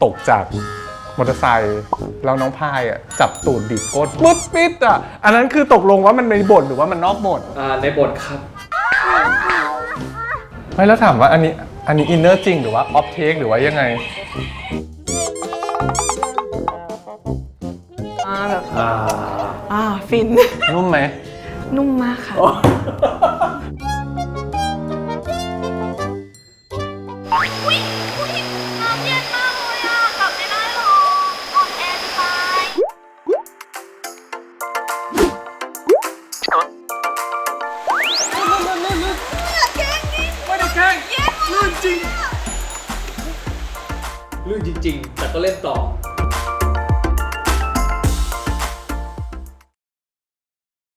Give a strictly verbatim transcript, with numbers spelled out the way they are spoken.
ตกจากมอเตอร์ไซค์แล้วน้องพายอ่ะจับตูดบีบก้นปุ๊บปิดอ่ะอันนั้นคือตกลงว่ามันในบทหรือว่ามันนอกบทอ่าในบทครับไม่แล้วถามว่าอันนี้อันนี้อินเนอร์จริงหรือว่าออฟเทคหรือว่ายังไงอ่าแบบอ่าอ่าฟินนุ่มไหมนุ่มมากค่ะน้ำเย็นมากเลยอ่ะกลับไม่ได้หรออ่อนแอจะตายไม่ได้แกล้งลื่นจริงลื่นจริงๆ แต่ก็เล่นต่อ